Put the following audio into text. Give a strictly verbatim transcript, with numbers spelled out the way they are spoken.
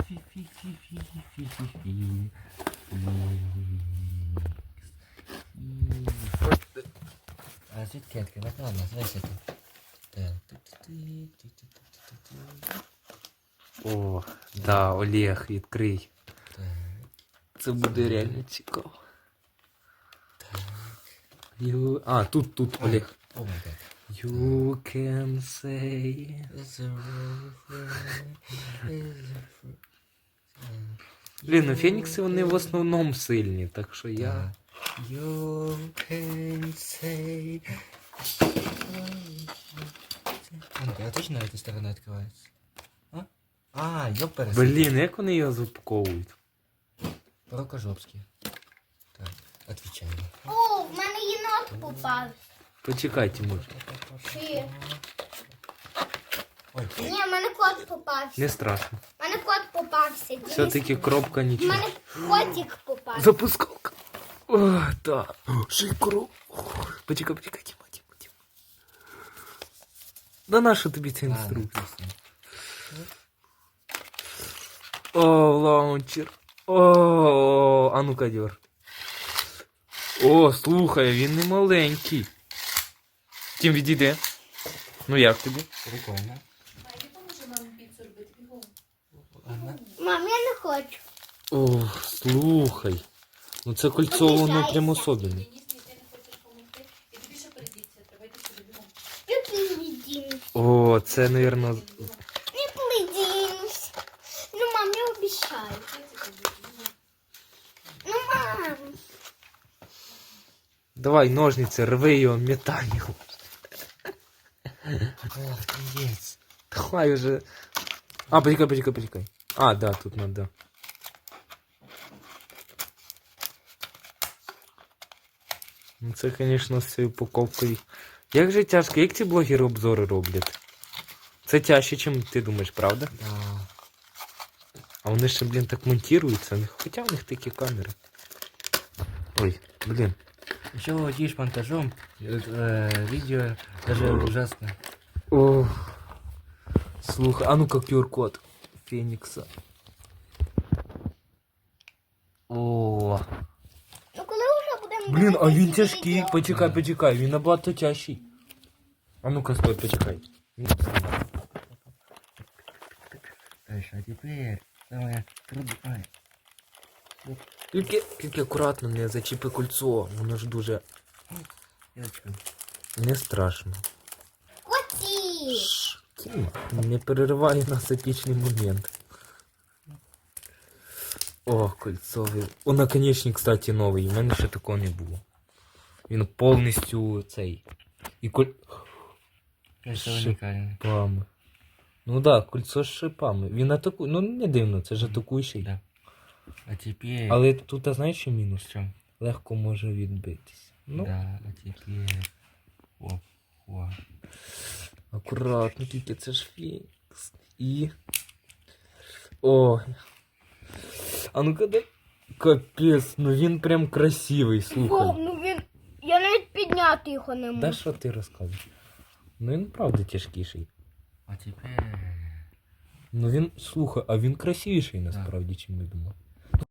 Фі-фі-фі-фі-фі-фі-фі. А звідки відкривати? Ладно, звайся тут. О, да, Олег, відкрий. Так, Це буде реально цікаво. так. You... А, тут, тут, Олег. О май гад. You can say... Блін, ну фенікси вони в основному сильні, так що я... You can say... А, а точно эта сторона открывается? А? А, ёпперс. Блін, як вони його запаковують? Рукожопський. Так, отвечаю. О, в мене єнот попався. Почекай, Тимур. Чи? Ой, Ні, в мене кот попався. Не страшно. В мене кот попався. Все-таки кропка В нічого. мене котик попався. Запускалка. О, да. Шикру. Почекай, почекай, Тима, Тима, Тима. Да наша тобі ця ладно, інструкція? пісня. О, лаунчер. О, а ну-ка, дьор. О, слухай, він не маленький. Тім, відійди. Ну як тобі? Прикольно. Ладно. Мам, я не хочу. О, слухай. Ну це кольцо, воно прямо особливе. Не пледінусь. О, це, напевно... Не пледінусь. Ну, мам, я обіцяю. Ну, мам. Давай, ножниці, рви його, метай його. Ох, пиздец. Давай уже. А, почекай, почекай, почекай. А, да, тут надо. Ну це, звісно, з цією упаковкою. Як же тяжко, як ці блогери обзори роблять? Це тяжче, ніж ти думаєш, правда? Да. А вони ще, блін, так монтуються. Хоча в них такі камери. Ой, блін. Еще владеешь монтажом, э, видео даже ужасно. О, слухай, а ну-ка ку ар код Фенікса. О, Ну, коли вже будемо... блін, а він дивитися тяжкий. відео? Почекай, почекай, він набагато тяжчий. А ну-ка, стой, почекай. Дальше, а теперь самое трудное. Тільки, тільки акуратно не зачіпи кольцо, воно ж дуже Девочка. не страшно. Котик. Шш, Тіма, не переривай нас епічний момент. О, кольцовий. О, наконечник, кстати, новий. У мене ще такого не було. Він повністю цей. І коль... Кажется, Шип. уникально. Шипами. Ну да, кольцо з шипами. Він атакує. Ну не дивно, це ж атакуючий. Да. А теперь... Але тут, а знаєш, що мінус? В чем? Легко може відбитись. Ну, Да, а теперь... О, о. акуратно, тільки це ж Фенікс. І... О. А ну-ка дай. Капець, ну він прям красивий, Вов, слухай. ну він... Я навіть підняти його не можу. Да що ти розказуєш? Ну він правда тяжкіший. А теперь... Ну він, слухай, а він красивіший насправді, чим я думав.